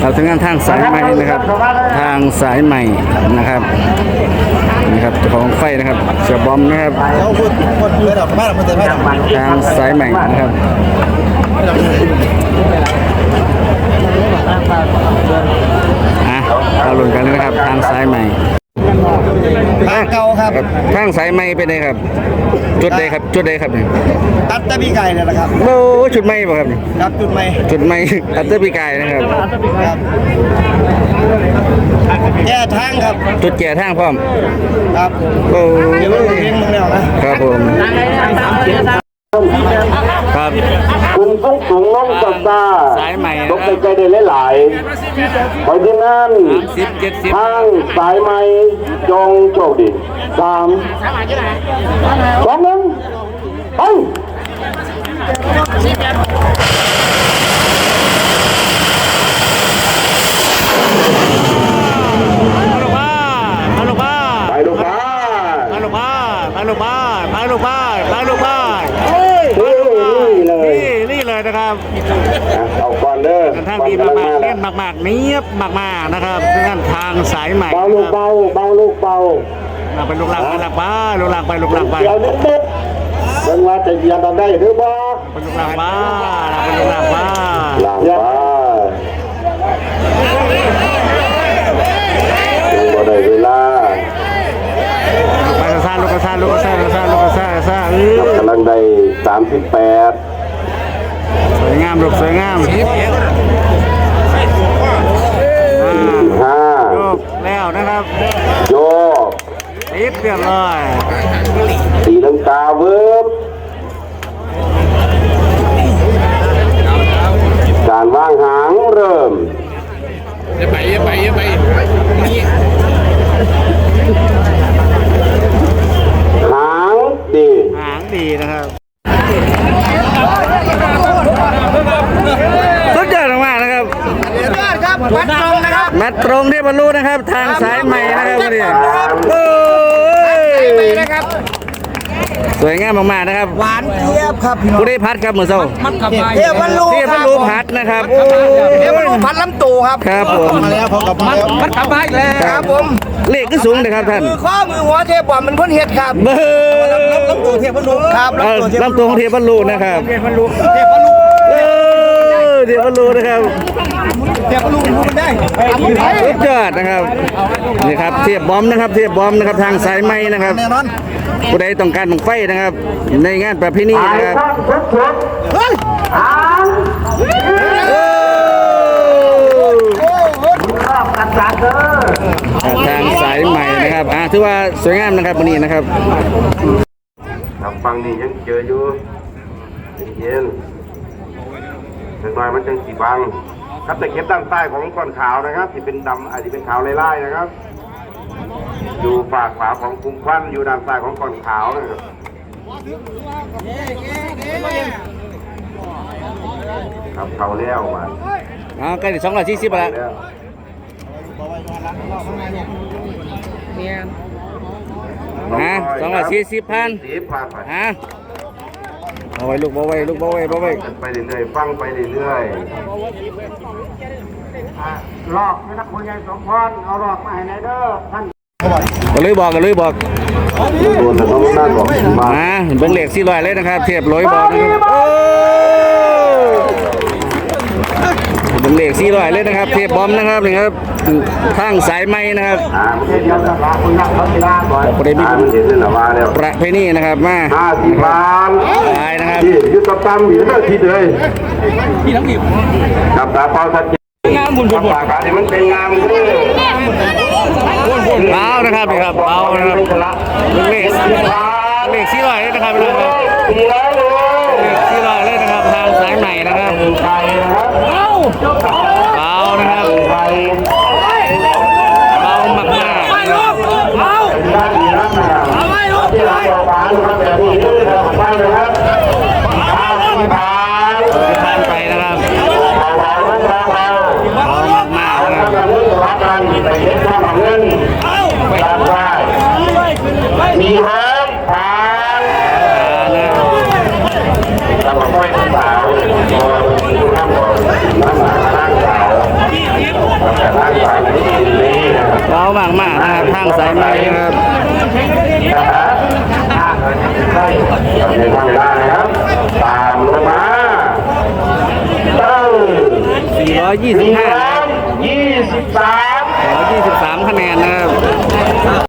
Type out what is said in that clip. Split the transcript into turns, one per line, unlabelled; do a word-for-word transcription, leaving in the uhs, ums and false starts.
เราถึงงานทางสายใหม่นะครับทางสายใหม่นะครับนี่ครับของไฟนะครับเสือบอมนะครับทางสายใหม่นะครับอ่ะเราลุ้นกันเลยนะครับทางสายใหม่
ทางเก่าครับ
ทางสายใหม่เป็นไงครับจุดใดครับจุดใดครับเนี่ย
ตัดตะบีไก่เนี่ยนะครับ
โอ้จุดใหม่ป่ะครับ
ครับจุดใหม่
จุดใหม่ตัดตะบีไก่นะครับ
แก่ทางครับ
จุดแก่ทางพร้อม
ครับ
โอ้
เดี๋ยวเราเลี้ยงมึงแล้วนะครับ
ผมครับ
คุณต้องสูงน้องจับตา
สายใหม่
ตกใจได้หลายๆเพราะฉะนั้นทางสายใหม่จงโชคดีสามสองหนึ่งไปไปลูกบ้าน
ไปลูกบ้านไปลูกบ้านไปลูกบ้านไปลูกบ้าน
นี่เลย
นี่เลยนะครับ
เอาก่อนเด้อ
ทางดีมากๆเล่นมากๆเนียบมากๆนะครับเส้นทางสายใหม่
เบาลูกเบาเบาลูกเบา
ไปลูกหลักไปหลักบ้าลูกหลักไปลูกหลักไป
เดี๋ยวนิดนิดเบิ่งว่าจะเยียนได้หรือบ่
ไปลูกหลักบ้าไปลูกหลักบ้า
หลังบ้าบ่ได้เวลา
ไปกระซ่าลูกกระซ่าลูกกระซ่าลูกกระซ่าลูกกระซ่ากระซ่าก
ำลังได้สามสิบแปด
สวยงามลูกสวยงาม
ห้า
โยกแล้วนะครับ
โยก
ติดเรียบร้อย
ตีลังกาเวิร์บการวางหางเริ่ม
อย่าไปอย่าไปอย่าไปนี่
หางดี
หางดีนะครับสุดยอดมากนะครับ
ครับมัดตรงนะครับ
มัดตรงที่บรรลุนะครับทางสายใหม่นะครับนี่โอ้ย
นะครับ
สวยงามมากๆนะครับ
หวานเทียบครับ
ผู้ได้พัดครับเหมือนเศร้า
เทียบพันลูก
เทียบพันลูกพัดนะครับโอ้
เทียบพันลูกพัดลำตูครับ
ครับผม
มาแล้วพอกับมาแล้วพัดกลับมาอีกแล้วครับผม
เลขก็สูงเลยครับท่าน
มือข้อมือหัวเทียบบ่มันพ้นเห็ดครับ
เบอร์
ลำตูเทียบพันลูกครับ
ลำตัวของเทียบพันลูกนะครับ
เทียบพันลูกเทียบพันลูก
เออเทียบพันลูกนะครับ
เทียบพันลูกมันได้
สุดยอดนะครับนี่ครับเทียบบอมนะครับเทียบบอมนะครับทางสายไหมนะครับผู้ใดต้องการบังไฟนะครับในงานประเพณีนะครับทางสายใหม่นะครับอ่าถือว่าสวยงามนะครับวันนี้นะครับ
ทางฟังนี่ยังเจออยู่เย็นถึงหน่อยมันจังสีบังครับแต่เก็บด้านใต้ของก้อนขาวนะครับที่เป็นดำอาจจะเป็นขาวไล่ๆนะครับอยู่ฝากขวาของคุ้มควันอยู่ด้านซ้ายของก้อนขาวนะครับครับเขาเลี้ยวมา
อ๋อใกล้ถึงสองร้อยสี่สิบแล้วฮะสองร้อยสี่สิบพันฮะเอาไว้ลูกเอาไว้ลูกเอาไว้เอาไว้
ไปเรื่อยๆฟังไปเรื่อย
ๆลอกนี่นะคุณยายสมพรเอาลอกมาให้ไหนเด้อท่าน
ก็เลยบอกก็เลยบอก
ตัวแต่ต้องนั่นบอก
มาเบิ้งเหล็กสี่ร้อยเลยนะครับเทียบร้อยบอกนะครับเบิ้งเหล็กสี่ร้อยเลยนะครับเทียบบอมนะครับนี่ครับทางสายไม้นะครับประเด็นประเพณีนะครับมา
ห้าสิบบาท
ได้นะครับ
ยุติธรรมอยู่ที่ที่เลยพี่ทั้งดิบกับตาเป้าชัดเจนงามบุญบุญปากกาที่มันเป็นงามคือ
เบานะครับนี่ครับเบานะครับเลขเลขสี่ร้อยเลยนะครับเลขสี่ร้อยเลยนะครับทางสายใหม่นะครับเบานะครับเบามากมากเบาเอาไว้ลูกไปไปนะครับ
มีฮักผ่าน
นะครับทางสายไหมนะครับ
ในทางได้นะครับตามลงมาตั้ง
สี่ร้อยยี่สิบ
สี่
ห้า
ร้อยยี่สิบสาม
สี่ร้อยยี่สิบสามคะแนนนะครับ